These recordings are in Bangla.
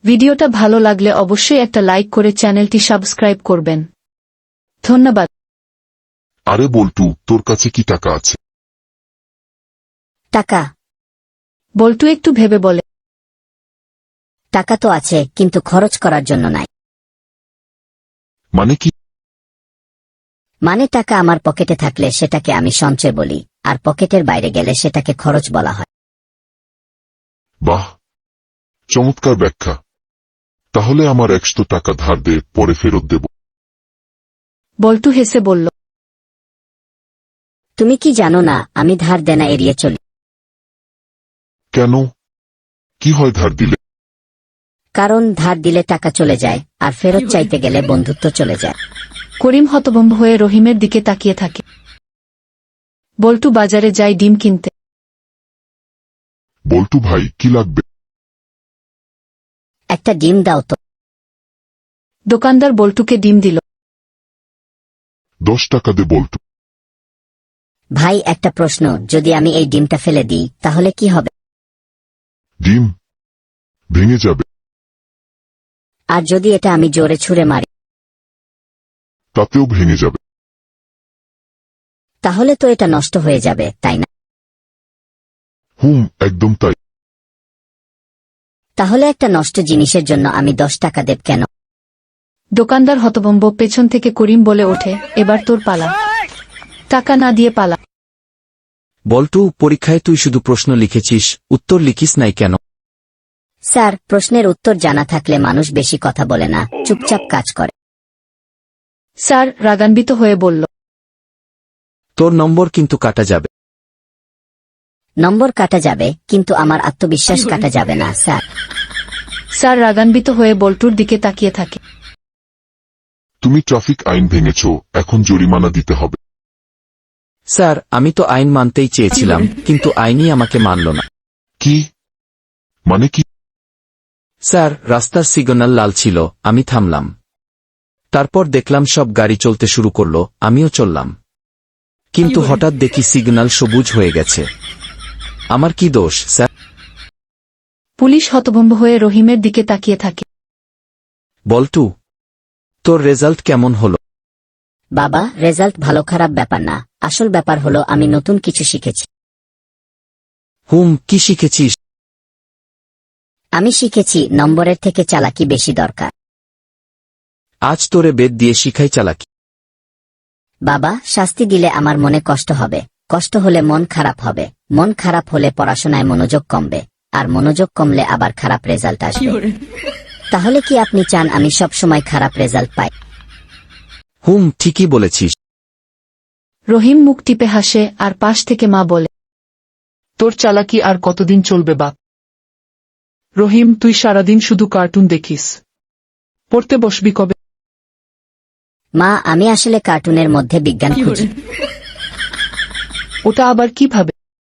ভিডিওটা ভালো লাগলে অবশ্যই একটা লাইক করে চ্যানেলটি সাবস্ক্রাইব করবেন। ধন্যবাদ। আরে বল্টু, তোর কাছে কি টাকা আছে? টাকা? বল্টু একটু ভেবে বলে। টাকা তো আছে, কিন্তু খরচ করার জন্য নাই। মানে কি? মানে টাকা আমার পকেটে থাকলে সেটাকে আমি সঞ্চয় বলি, আর পকেটের বাইরে গেলে সেটাকে খরচ বলা হয়। বাহ, চমৎকার ব্যাখ্যা। তাহলে আমার 100 টাকা ধার দে, পরে ফেরত দেব। বল্টু হেসে বলল। তুমি কি জানো না আমি ধার দেনা এড়িয়ে চলি? কেন? কি হয় ধার দিলে? কারণ ধার দিলে টাকা চলে যায়, আর ফেরত চাইতে গেলে বন্ধুত্ব চলে যায়। করিম হতভম্ব হয়ে রহিমের দিকে তাকিয়ে থাকে। বল্টু বাজারে যায় ডিম কিনতে। বল্টু ভাই, কি লাগবে? একটা ডিম দাও তো। দোকানদার বল্টুকে ডিম দিল। 10 টাকা দে বল্টু। ভাই একটা প্রশ্ন, যদি আমি এই ডিমটা ফেলে দিই তাহলে কি হবে? ডিম ভেঙে যাবে। আর যদি এটা আমি জোরে ছুঁড়ে মারি? তাতেও ভেঙে যাবে। তাহলে তো এটা নষ্ট হয়ে যাবে, তাই না? একদম তাই। তাহলে একটা নষ্ট জিনিসের জন্য আমি 10 টাকা দেব কেন? দোকানদার হতভম্ব। পেছন থেকে করিম বলে ওঠে, এবার তোর পালা। টাকা না দিয়ে পালা। বল্টু, পরীক্ষায় তুই শুধু প্রশ্ন লিখেছিস, উত্তর লিখিস নাই কেন? স্যার, প্রশ্নের উত্তর জানা থাকলে মানুষ বেশি কথা বলে না, চুপচাপ কাজ করে। স্যার রাগান্বিত হয়ে বলল। তোর নম্বর কিন্তু কাটা যাবে। নম্বর কাটা যাবে, কিন্তু আমার আত্মবিশ্বাস কাটা যাবে না স্যার। স্যার রাগান্বিত হয়ে বল্টুর দিকে তাকিয়ে থাকে। তুমি ট্রাফিক আইন ভেঙেছ, এখন জরিমানা দিতে হবে। স্যার, আমি তো আইন মানতেই চেয়েছিলাম, কিন্তু আইনই আমাকে মানল না। কি মানে কি? স্যার, রাস্তার সিগন্যাল লাল ছিল, আমি থামলাম। তারপর দেখলাম সব গাড়ি চলতে শুরু করলো, আমিও চললাম। কিন্তু হঠাৎ দেখি সিগন্যাল সবুজ হয়ে গেছে। আমার কি দোষ স্যার? পুলিশ হতভম্ব হয়ে রহিমের দিকে তাকিয়ে থাকে। বল্টু, তোর রেজাল্ট কেমন হলো? বাবা, রেজাল্ট ভালো খারাপ ব্যাপার না, আসল ব্যাপার হলো আমি নতুন কিছু শিখেছি। কি শিখেছিস? আমি শিখেছি নম্বরের থেকে চালাকি বেশি দরকার। আজ তোরে বেদ দিয়ে শিখাই চালাকি। বাবা, শাস্তি দিলে আমার মনে কষ্ট হবে, কষ্ট হলে মন খারাপ হবে, মন খারাপ হলে পড়াশোনায় মনোযোগ কমবে, আর মনোযোগ কমলে আবার খারাপ রেজাল্ট আসবে। তাহলে কি আপনি চান আমি সব সময় খারাপ রেজাল্ট পাই? ঠিকই বলেছিস। রহিম মুখ টিপে হাসে, আর পাশ থেকে মা বলে, তোর চালাকি আর কতদিন চলবে বাপ? রহিম, তুই সারাদিন শুধু কার্টুন দেখিস, পড়তে বসবি কবে? মা, আমি আসলে কার্টুনের মধ্যে বিজ্ঞান খুঁজি। ওটা আবার কিভাবে?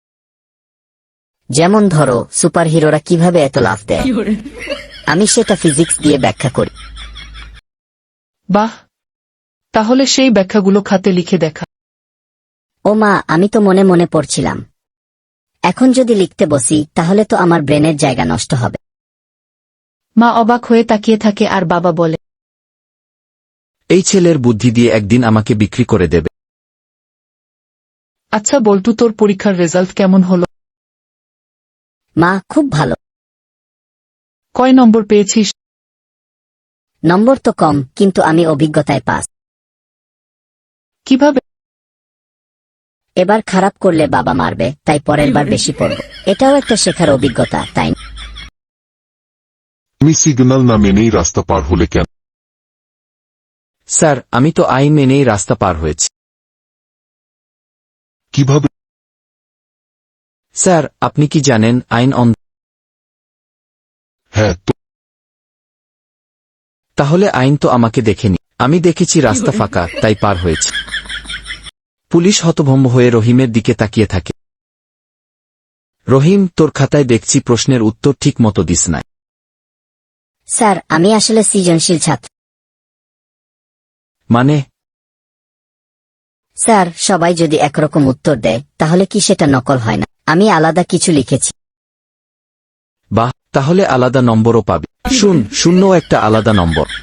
যেমন ধরো, সুপারহিরোরা কিভাবে এত লাফ দেয়, আমি সেটা ফিজিক্স দিয়ে ব্যাখ্যা করি। বাহ, তাহলে সেই ব্যাখ্যাগুলো খাতে লিখে দেখা। ও মা, আমি তো মনে মনে পড়ছিলাম। এখন যদি লিখতে বসি তাহলে তো আমার ব্রেনের জায়গা নষ্ট হবে। মা অবাক হয়ে তাকিয়ে থাকে, আর বাবা বলে, এই ছেলের বুদ্ধি দিয়ে একদিন আমাকে বিক্রি করে দেবে। আচ্ছা বল্টু, তোর পরীক্ষার রেজাল্ট কেমন হলো? মা, খুব ভালো। কয় নম্বর পেয়েছিস? নম্বর তো কম, কিন্তু আমি অভিজ্ঞতায় পাস। কিভাবে? এবার খারাপ করলে বাবা মারবে, তাই পরের বার বেশি পড়ব। এটাও একটা শেখার অভিজ্ঞতা, তাই না? তুমি সিগন্যাল না মেনেই রাস্তা পার হলে কেন? স্যার, আমি তো আইন মেনেই রাস্তা পার হয়েছি। কিভাবে? স্যার, আপনি কি জানেন আইন অন্ধ? হ্যাঁ তো। তাহলে আইন তো আমাকে দেখেনি, আমি দেখেছি রাস্তা ফাঁকা, তাই পার হয়েছি। পুলিশ হতভম্ব হয়ে রহিমের দিকে তাকিয়ে থাকে। রহিম, তোর খাতায় দেখছি প্রশ্নের উত্তর ঠিক মতো দিস নাই। স্যার, আমি আসলে সৃজনশীল ছাত্র। মানে? স্যার, সবাই যদি একরকম উত্তর দেয় তাহলে কি সেটা নকল হয় না? আমি আলাদা কিছু লিখেছি। বাহ, তাহলে আলাদা নম্বরও পাবি। শূন্যও একটা আলাদা নম্বর।